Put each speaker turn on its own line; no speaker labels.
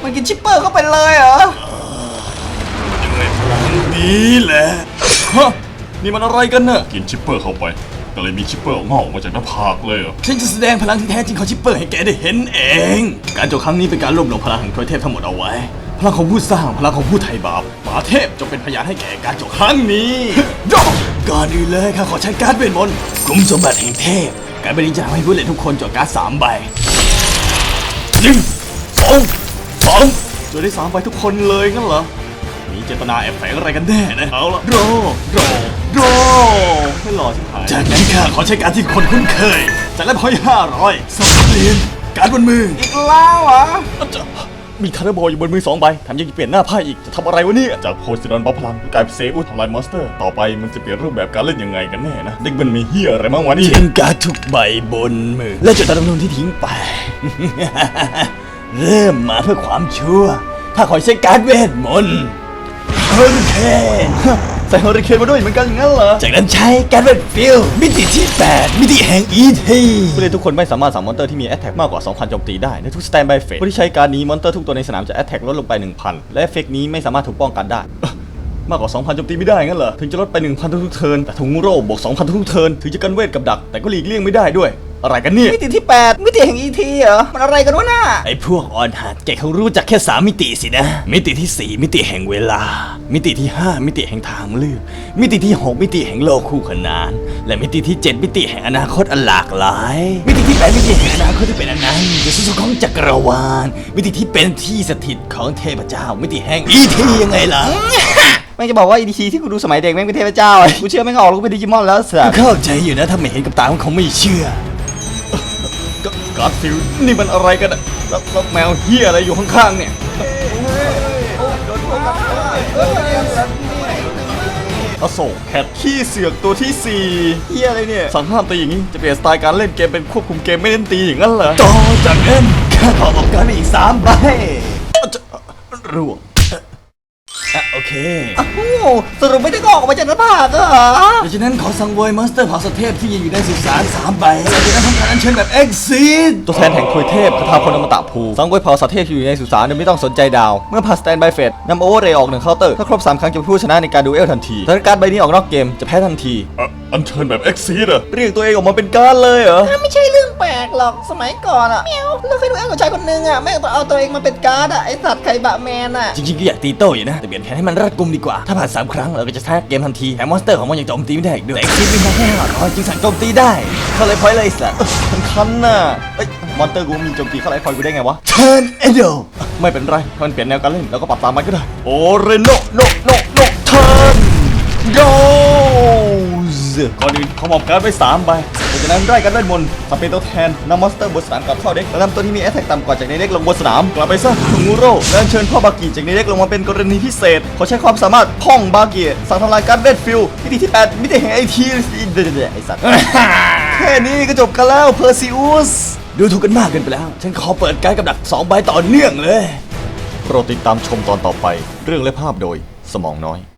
มันกินชิปเปอร์เข้าไปเลยเหรอ
ยังไงพลังนี้แหละฮะนี่มันอะไรกันน่ะกินชิปเปอร์เข้าไปก็เลยมีชิปเปอร์งอกมาจากหน้าผากเลยเหรอ
ฉันจะแสดงพลังที่แท้จริงของชิปเปอร์ให้แกได้เห็นเองการโจมครั้งนี้เป็นการรวบรวมพลังแห่งทวยเทพทั้งหมดเอาไว้พลังของผู้สร้างพลังของผู้ไถ่บาปมหาเทพจงเป็นพยานให้แก่การโจมครั้งนี้ก่อนอื่นเลยข้าขอใช้การ์ดเวทมนต์กลุ่มสมบัติแห่งเทพการ์ดใบนี้จะทำให้ผู้เล่นทุกคนโจทย์การ์ด3 ใบ1 2 3โจทย์ได้3 ใบทุกคนเลยงั้นเหรอมีเจตนาแอบแฝงอะไรกันแน่นะเอาละรอไม่หล่อชิบหายจากนั้นข้าขอใช้การที่คนคุ้นเคยจากนั้นพอย500สองเปลี่ยนการบนมืออีกแล้วเหรอมีคาร์บอยอยู่บนมือ2 ใบแถมยังเปลี่ยนหน้าไพ่อีกจะทำอะไรวะเนี่ยจากโพซิดอนบัฟพลังกลายเป็นเซอุสทำลายมอนสเตอร์ต่อไปมันจะเปลี่ยนรูปแบบการเล่นยังไงกันแน่นะเด็กมันมีเฮียอะไรบ้างวะนี่ทิ้งการ์ดทุกใบบนมือและจุดดำรงที่ทิ้งไป เริ่มมาเพื่อความชั่วถ้าขอใช้การ์ดเวทมนต์เฮอริเคนใส่เฮอริเคนมาด้วยเหมือนกันอย่างนั้นเหรอจากนั้นใช้การ์ดเวทฟิลมิติที่8มิติแห่งอีทีผู้เล่นทุกคนไม่สามารถสั่งมอนเตอร์ที่มีแอตแทกมากกว่า 2,000 โจมตีได้ในทุกสแตนบายเฟสผู้ที่ใช้การนี้มอนเตอร์ทุกตัวในสนามจะแอตแทกลดลงไป 1,000 และเอฟเฟกต์นี้ไม่สามารถถูกป้องกันได้มากกว่า 2,000 โจมตีไม่ได้งั้นเหรอถึงจะลดไป 1,000 ทุกๆเทิร์นแต่ถุงโร่บวก 2,000 ทุกๆเทิร์นถึงจะกันเวทกับดักแต่ก็หลีกเลี่ยงไม่ได้ด้วยอะไรกันเนี่ย
มิติที่8มิติแห่ง ET เหรอมันอะไรกันวะน่ะ
ไอ้พวกออนหัดแกเขารู้จักแค่3 มิติสินะมิติที่4มิติแห่งเวลามิติที่5มิติแห่งทางเลือกมิติที่6มิติแห่งโลกคู่ขนานและมิติที่7มิติแห่งอนาคตอันหลากหลายมิติที่8มิติแห่งอนาคตที่เป็นอนันต์ที่สุดของจักรวาลมิติที่เป็นที่สถิตของเทพเจ้ามิติแห่ง ET ยังไงล่ะ
แม่งจะบอกว่า ET ที่กูดูสมัยเด็กแม่งเป็นเทพเจ้ากูเชื่อแม่งออกลูกเป็นดิจิมอนแล้วสัส
เข้าใจอยู่นะถ้าไม่เห็นกับตาคงไม่เชื่อการ์ดฟิลนี่มันอะไรกันอะแล้วแมวเฮียอะไรอยู่ข้างๆเนี่ยอโศกแคทขี้เสือกตัวที่4
เฮียอะไรเนี่ย
สั่งห้ามตีอย่างนี้จะเปลี่ยนสไตล์การเล่นเกมเป็นควบคุมเกมไม่เน้นตีอย่างนั้นเหรอต่อจากนั้นข้าขอออกการอีก3 ใบร่วงโอเค
สรุปไม่ได้ออกมาจากหน้าผากเหรอ
ดังนั้นขอสังเวยมอนสเตอร์เผ่าสัตว์เทพที่ยังอยู่ในสุสาน3 ใบแล้วจากนั้นทำการอัญเชิญแบบเอ็กซิสตัวแทนแห่งทวยเทพคาถาพลอมตะภูสังเวยเผ่าสัตว์เทพที่อยู่ในสุสานโดยไม่ต้องสนใจดาวเมื่อผ่านสแตนบายเฟสนำโอเวอร์เรย์ออก1 เคาน์เตอร์ถ้าครบ3 ครั้งจะเป็นผู้ชนะในการดูเอลทันทีถ้าการ์ดใบนี้ออกนอกเกมจะแพ้ทันที
อัญเชิญแบบเอ็กซิสอะ
เรียกตัวเองออกมาเป็นการ์ดเลยเหรอ
ไม่ใช่เรื่องแปลกหรอกสมัยก่อนอะเมียวเราเคยดูแอลกับชายคนนึงอะแม่งต้องเอาตัวเองมาเป็นการ์ดอะไอสัตว์ไข่บะแมนอะ
จริงๆก็อยากตีโต้อยู่นะแต่เปลี่ยนแผนให้มันรัดกุมดีกว่าถ้าผ่าน3 ครั้งเราก็จะชนะเกมทันทีแถมมอนสเตอร์ของมันยังโจมตีไม่ได้อีกด้วยแต่เอ็กซิสเป็นแค่500จึงสั่งโจมตีได้เข้าไลฟ์พอยต์เลยสัตว์มันคันน่ะมอนสเตอร์กูมีโจมตีเข้าไลฟ์พอยต์กูได้ไงวะเทิร์นเอโดไม่เป็นไรถ้ามันเปลี่ยนแนวการเล่นเราก็ปรับตามมันก็ได้โอเรโนเทิร์นโกก่อนอื่นเขามอบการ์ดไว้3 ใบจากนั้นไล่กันเวทมนต์ทำเป็นตัวแทนนำมอนสเตอร์บนสนามกลับเข้าเด็กแล้วนำตัวที่มีแอตแทกต่ำกว่าจากในเด็กลงบนสนามกลับไปซะถุงงูโร่และเชิญพ่อบากิจากในเด็กลงมาเป็นกรณีพิเศษเขาใช้ความสามารถพ่องบากิสั่งทำลายการ์ดเวทฟิลมิติที่8มิติแห่งไอทีไอสัตว์แค่นี้ก็จบกันแล้วเพอร์ซิอุสดูถูกกันมากเกินไปแล้วฉันขอเปิดการ์ดกับดัก2 ใบต่อเนื่องเลยโปรดติดตามชมตอนต่อไปเรื่องและภาพโดยสมองน้อย